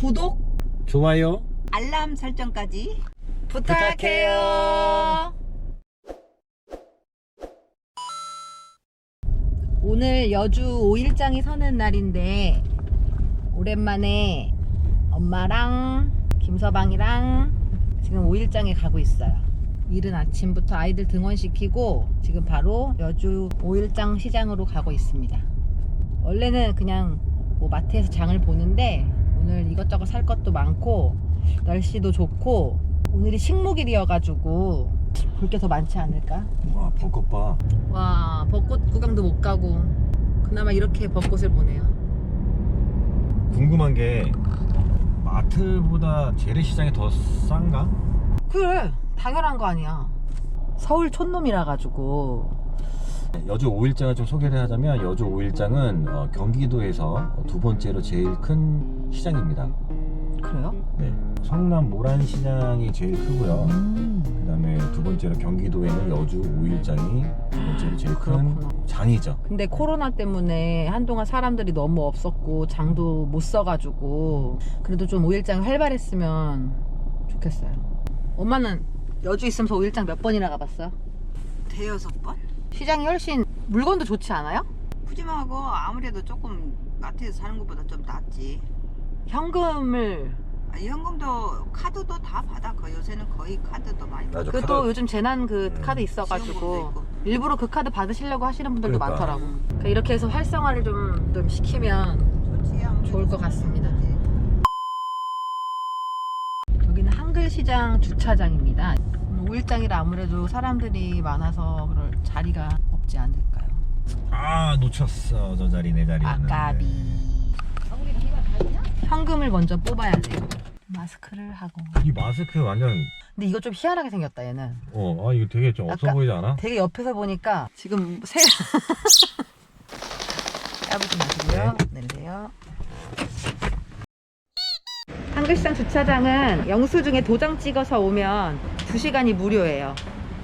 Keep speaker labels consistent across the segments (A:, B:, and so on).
A: 구독,
B: 좋아요,
A: 알람 설정까지 부탁해요. 오늘 여주 5일장이 서는 날인데 오랜만에 엄마랑 김서방이랑 지금 5일장에 가고 있어요. 이른 아침부터 아이들 등원시키고 지금 바로 여주 5일장 시장으로 가고 있습니다. 원래는 그냥 뭐 마트에서 장을 보는데 오늘 이것저것 살 것도 많고 날씨도 좋고 오늘이 식목일이어가지고 볼 게 더 많지 않을까?
B: 와 벚꽃 봐.
A: 와, 벚꽃 구경도 못 가고 그나마 이렇게 벚꽃을 보네요.
B: 궁금한 게 마트보다 재래시장이 더 싼가?
A: 그래, 당연한 거 아니야. 서울 촌놈이라 가지고.
B: 여주 5일장을 좀 소개를 하자면 여주 5일장은 경기도에서 두 번째로 제일 큰 시장입니다.
A: 그래요?
B: 네, 성남 모란시장이 제일 크고요. 그 다음에 두 번째로 경기도에는 여주 5일장이 두 번째로 제일 큰
A: 그렇구나.
B: 장이죠.
A: 근데 코로나 때문에 한동안 사람들이 너무 없었고 장도 못 써가지고 그래도 좀 5일장 활발했으면 좋겠어요. 엄마는 여주 있으면서 5일장 몇 번이나 가봤어요?
C: 대여섯 번?
A: 시장이 훨씬 물건도 좋지 않아요?
C: 푸짐하고 아무래도 조금 마트에서 사는 것보다 좀 낫지.
A: 현금을
C: 현금도 카드도 다 받아. 요새는 거의 카드도 많이 받아.
B: 맞아.
A: 그또
B: 카드.
A: 요즘 재난 그 카드
C: 지원금도
A: 있어가지고
C: 있고.
A: 일부러 그 카드 받으시려고 하시는 분들도
B: 그러니까.
A: 많더라고. 그러니까 이렇게 해서 활성화를 좀 시키면
C: 좋지, 아무래도
A: 좋을 것 같습니다.
C: 좋지.
A: 여기는 한글시장 주차장입니다. 5일장이라 아무래도 사람들이 많아서 그럴 자리가 없지 않을까요?
B: 아 놓쳤어. 저 자리 내 자리였는데.
A: 아까비. 현금을 먼저 뽑아야 돼요. 마스크를 하고.
B: 이 마스크 완전
A: 근데 이거 좀 희한하게 생겼다 얘는.
B: 이거 되게 좀 없어
A: 아까-
B: 보이지 않아?
A: 되게 옆에서 보니까 지금 까부지 마시고요. 내리세요. 한글시장 주차장은 영수증에 도장 찍어서 오면 2시간이 무료예요.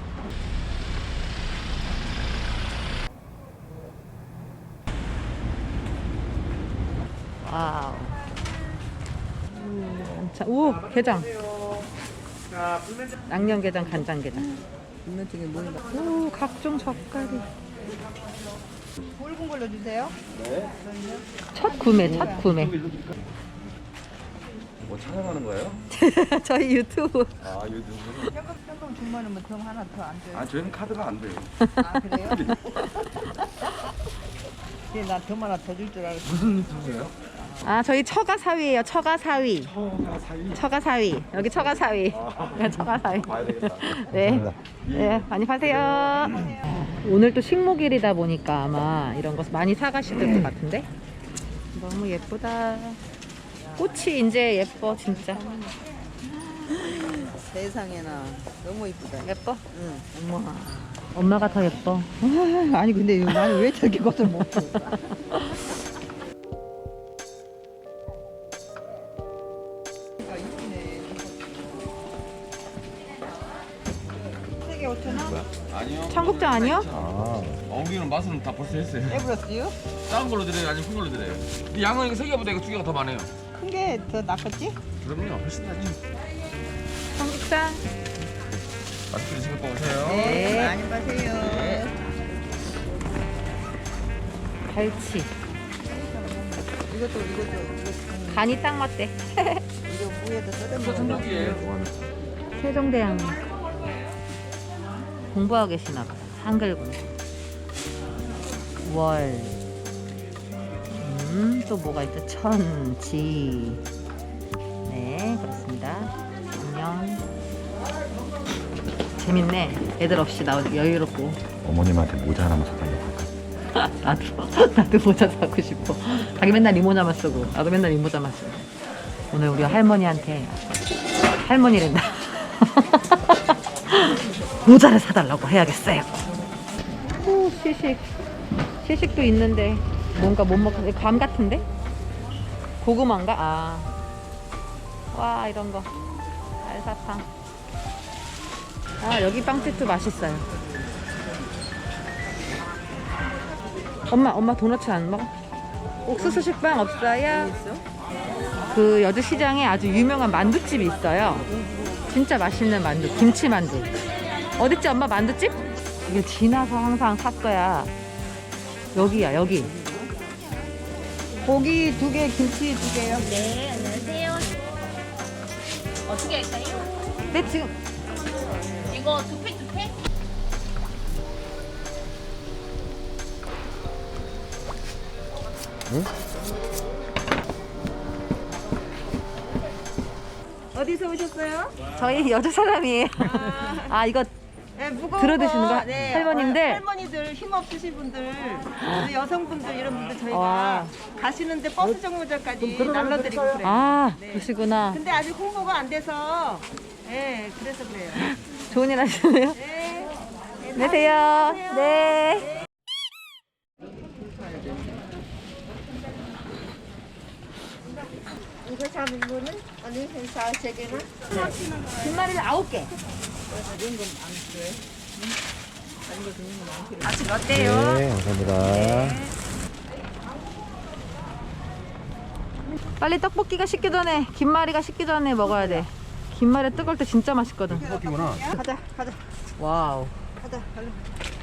A: 와우. 자, 오, 게장. 양념게장, 간장게장.
C: 분면증에 뭔가
A: 오, 각종 젓갈이.
C: 굵은 걸로 주세요.
A: 첫 구매, 첫 구매.
B: 뭐 촬영하는 거예요?
A: 저희 유튜브.
B: 아 유튜브.
C: 현금 주면은 뭐 돈 하나 더 안 줘요.
B: 아 저희는 카드가 안 돼요.
C: 아 그래요? 나돈 하나 더 줄 줄 알았어.
B: 무슨 유튜브예요?
A: 아, 저희 처가사위예요. 처가사위.
B: 사이.
A: 처가사위. 여기 처가사위. 처가사위.
B: 봐야 되겠다.
A: 네. 네, 많이 파세요. 오늘 또 식목일이다 보니까 아마 이런 거 많이 사가실 것 같은데. 너무 예쁘다. 꽃이 이제 예뻐, 진짜.
C: 세상에나 너무 이쁘다.
A: 예뻐?
C: 응.
A: 엄마. 엄마가 더 예뻐.
C: 아니 근데 나는 왜 저렇게 것을 못 줘? 세개 5,000원?
D: 아니요.
A: 청국장 아니요?
B: 아
D: 엉기는 맛은 다 벌써 했어요.
C: 에브러스요?
D: 작은 걸로 드려요, 아니면 큰 걸로 드려요? 이 양은 이거 세 개보다 이거 두 개가 더 많아요.
C: 큰 게 더 낫겠지?
D: 그럼요, 훨씬 낫죠.
A: 청국장.
D: 맛있게 드시고 또 오세요.
A: 네.
C: 많이 마세요.
A: 갈치.
C: 이것도
A: 간이 딱 맞대.
C: 이거 무에다 써대
D: 또
C: 먹어.
D: 전복이에요.
A: 세종대왕 공부하고 계시나 봐요. 한글군. 월. 또 뭐가 있죠? 천지. 네, 그렇습니다. 안녕. 재밌네. 애들 없이 나 여유롭고.
B: 어머님한테 모자 하나만 사달라고 할까?
A: 나도 모자 사고 싶어. 자기 맨날 이 모자만 쓰고 나도 맨날 이 모자만 쓰고. 오늘 우리 할머니한테 할머니랜다. 모자를 사달라고 해야겠어요. 오, 시식도 있는데 뭔가 못 먹는 감 같은데? 고구마인가? 아, 와 이런 거 알사탕. 아 여기 빵집도 맛있어요. 엄마 도넛 안 먹어? 옥수수 식빵 없어요? 그 여주시장에 아주 유명한 만두집이 있어요. 진짜 맛있는 만두, 김치만두. 어딨지 엄마 만두집? 이게 지나서 항상 샀어야. 여기야 여기. 고기 2개, 김치 2개요.
E: 네, 안녕하세요. 어떻게 할까요?
A: 네 지금
E: 이거 2팩 2팩?
F: 어디서 오셨어요?
A: 저희 여주 사람이에요. 아 이거
F: 네, 무거운
A: 들어 드시는 거?
F: 네,
A: 할머님들?
F: 할머니들 힘 없으신 분들, 또 여성분들 이런 분들 저희가
A: 와.
F: 가시는데 버스 정류장까지 날라드리고 그래요.
A: 아
F: 네.
A: 그러시구나.
F: 근데 아직 홍보가 안 돼서, 네, 그래서 그래요.
A: 좋은 일 하시네요.
F: 네.
A: 안녕하세요. 네.
G: 이거 잡은 거는 어느 회사 세계나?
A: 김말이를 9개.
C: 아직 어때요?
B: 네, 감사합니다.
A: 빨리 떡볶이가 식기 전에, 김말이가 식기 전에 먹어야 돼. 김말이 뜨거울 때 진짜 맛있거든.
B: 떡볶이구나.
F: 가자, 가자,
A: 와우.
F: 가자, 얼른.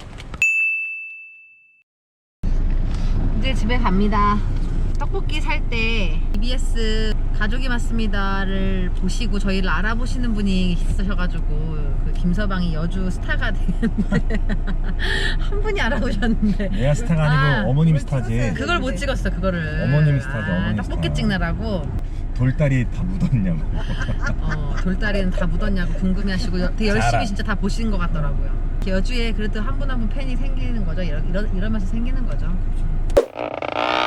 A: 이제 집에 갑니다. 떡볶이 살 때 EBS 가족이 맞습니다를 보시고 저희를 알아보시는 분이 있으셔가지고 그 김서방이 여주 스타가 되는데 한 분이 알아보셨는데
B: 내가 스타가 아니고 어머님이 스타지.
A: 그걸 못 찍었어 그거를.
B: 어머님이 스타죠, 어머님
A: 떡볶이
B: 스타.
A: 찍느라고.
B: 돌다리 다 묻었냐고.
A: 돌다리는 다 묻었냐고 궁금해하시고 되게 열심히
B: 자랑.
A: 진짜 다 보시는 것 같더라고요. 여주에 그래도 한 분 한 분 팬이 생기는 거죠. 이러면서 생기는 거죠.